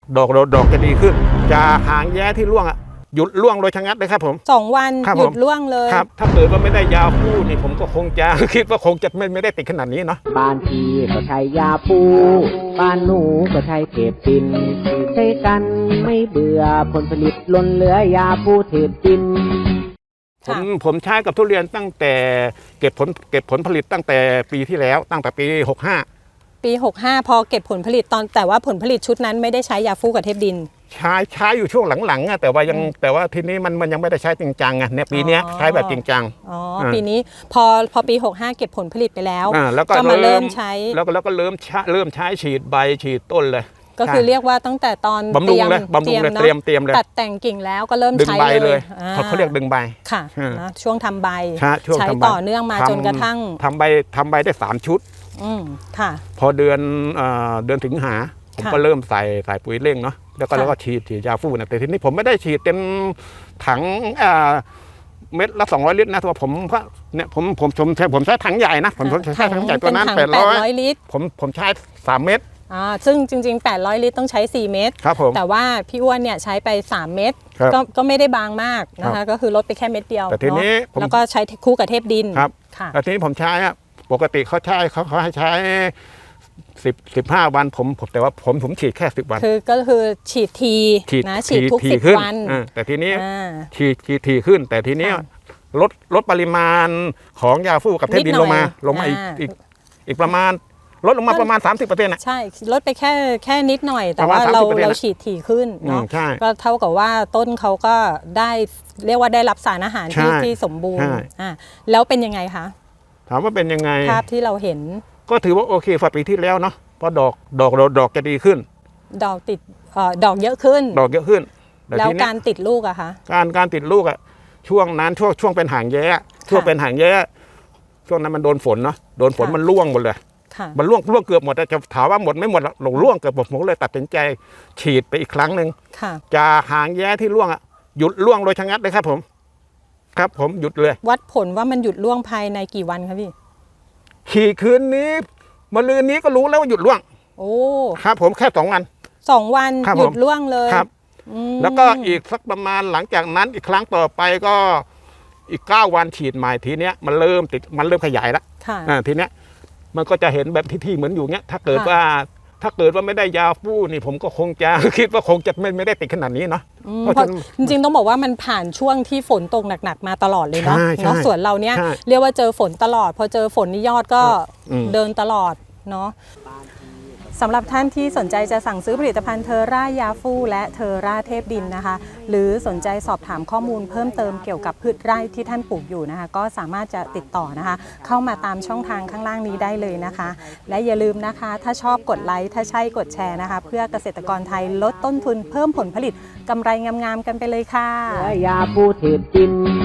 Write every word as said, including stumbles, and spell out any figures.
ดอกดอกจะดีขึ้นจะหางแย้ที่ร่วงอ่ะหยุดร่วงโดยชะงัดเลยครับผมสองวันหยุดร่วงเลยครับถ้าเกิดว่าไม่ได้ยาพูนี่ผมก็คงจะคิดว่าคงจะไม่ไม่ได้ติดขนาดนี้เนาะบ้านพี่ก็ใช้ยาพูบ้านหนูก็ใช้เทปตินใช้กันไม่เบื่อผลผลิตล้นเหลือยาพูเทปตินผมผมใช้กับทุเรียนตั้งแต่เก็บผลเก็บผลผลิตตั้งแต่ปีที่แล้วตั้งแต่ปีหกสิบห้าปีหกสิบห้าพอเก็บผลผลิตตอนแต่ว่าผลผลิตชุดนั้นไม่ได้ใช้ยาฟูกับเทปดินใช้ใช้อยู่ช่วงหลังๆอะแต่ว่ายังแต่ว่าทีนี้มันมันยังไม่ได้ใช้จริงจังไงเนี่ยปีนี้ใช้แบบจริงจังอ๋อปีนี้พอพอปีหกสิบห้าเก็บผลผลิตไปแล้วก็มาเริ่มใช้แล้วก็แล้วก็เริ่มเริ่มใช้ฉีดใบฉีดต้นเลยก็คือเรียกว่าตั้งแต่ตอนบำรุงเลยบำรุงเลยเตรียมเตรียมเลยตัดแต่งกิ่งแล้วก็เริ่มใช้เลยเขาเรียกดึงใบค่ะนะช่วงทำใบใช้ต่อเนื่องมาจนกระทั่งทำใบทำใบได้สามชุดอืมค่ะพอเดือนเดือนสิงหาผมก็เริ่มใส่ใส่ปุ๋ยเร่งเนาะแล้วก็แล้วก็ฉีดฉีดยาฟูนะแต่ทีนี้ผมไม่ได้ฉีดเต็มถังเม็ดละสองร้อยลิตรนะตัวผมก็เนี่ยผมผมผมใช้ผมใช้ถังใหญ่นะผมใช้ถังใหญ่ตัวนั้นแปดร้อยลิตรผมผมใช้สามเม็ดอ่าซึ่งจริงๆแปดร้อยลิตรต้องใช้สี่เม็ดครับผมแต่ว่าพี่อ้วนเนี่ยใช้ไปสามเม็ดก็ก็ไม่ได้บางมากนะคะก็คือลดไปแค่เม็ดเดียวแต่ทีนี้แล้วก็ใช้คู่กับเทปดินครับค่ะแต่ทีนี้ผมใช้อะปกติเขาใช้เขาเขาให้ใช้สิบสิบห้าวันผมผมแต่ว่าผมผมฉีดแค่สิบวันคือก็คือฉีดทีนะฉีดทุกสิบวันแต่ทีนี้ฉีดฉีดทีขึ้นแต่ทีนี้ลดลดปริมาณของยาฟูกับเทปดินลงมาลงมาอีกอีกอีกประมาณลดลงมาประมาณ สามสิบเปอร์เซ็นต์ อ่ะใช่ลดไปแค่แค่นิดหน่อยแต่ว่าเราเราฉีดถี่ขึ้นเนาะก็เท่ากับว่าต้นเขาก็ได้เรียกว่าได้รับสารอาหารที่ที่สมบูรณ์อ่าแล้วเป็นยังไงคะถามว่าเป็นยังไงภาพที่เราเห็นก็ถือว่าโอเคฝ่าปีที่แล้วเนาะเพราะดอกดอกดอกจะดีขึ้นดอกติดเอ่อดอกเยอะขึ้นดอกเยอะขึ้นแล้วการติดลูกอะคะการการติดลูกอะช่วงนั้นช่วงช่วงเป็นหางแย้ช่วงเป็นหางแย้ช่วงนั้นมันโดนฝนเนาะโดนฝนมันร่วงหมดเลยมันร่วงร่วงเกือบหมดแต่จะถามว่าหมดไม่หมดหลงร่วงเกือบหมดผมเลยตัดสินใจฉีดไปอีกครั้งหนึ่งจะหางแย้ที่ร่วงอะหยุดร่วงโดยชะงัดเลยครับผมครับผมหยุดเลยวัดผลว่ามันหยุดร่วงภายในกี่วันครับพี่ขี่คืนนี้มะรืนนี้ก็รู้แล้วว่าหยุดร่วงโอ้ครับผมแค่สองวันสองวันหยุดร่วงเลยครับแล้วก็อีกสักประมาณหลังจากนั้นอีกครั้งต่อไปก็อีกเก้าวันฉีดใหม่ทีเนี้ยมันเริ่มติดมันเริ่มขยายแล้วทีเนี้ยมันก็จะเห็นแบบที่ๆเหมือนอยู่เนี้ยถ้าเกิดว่าถ้าเกิดว่าไม่ได้ยาฟูนี่ผมก็คงจะคิดว่าคงจะไม่ไม่ได้ติดขนาดนี้เนาะเพราะจริงๆต้องบอกว่ามันผ่านช่วงที่ฝนตกหนักๆมาตลอดเลยเนาะเนาะส่วนเราเนี้ยเรียกว่าเจอฝนตลอดพอเจอฝนนี่ยอดก็เดินตลอดเนาะสำหรับท่านที่สนใจจะสั่งซื้อผลิตภัณฑ์เทอร่ายาฟูและเทอร่าเทพดินนะคะหรือสนใจสอบถามข้อมูลเพิ่มเติมเกี่ยวกับพืชไร่ที่ท่านปลูกอยู่นะคะก็สามารถจะติดต่อนะคะเข้ามาตามช่องทางข้างล่างนี้ได้เลยนะคะและอย่าลืมนะคะถ้าชอบกดไลค์ถ้าใช่กดแชร์นะคะเพื่อเกษตรกรไทยลดต้นทุนเพิ่มผลผลิตกำไรงามๆกันไปเลยค่ะยาฟูเทปดิน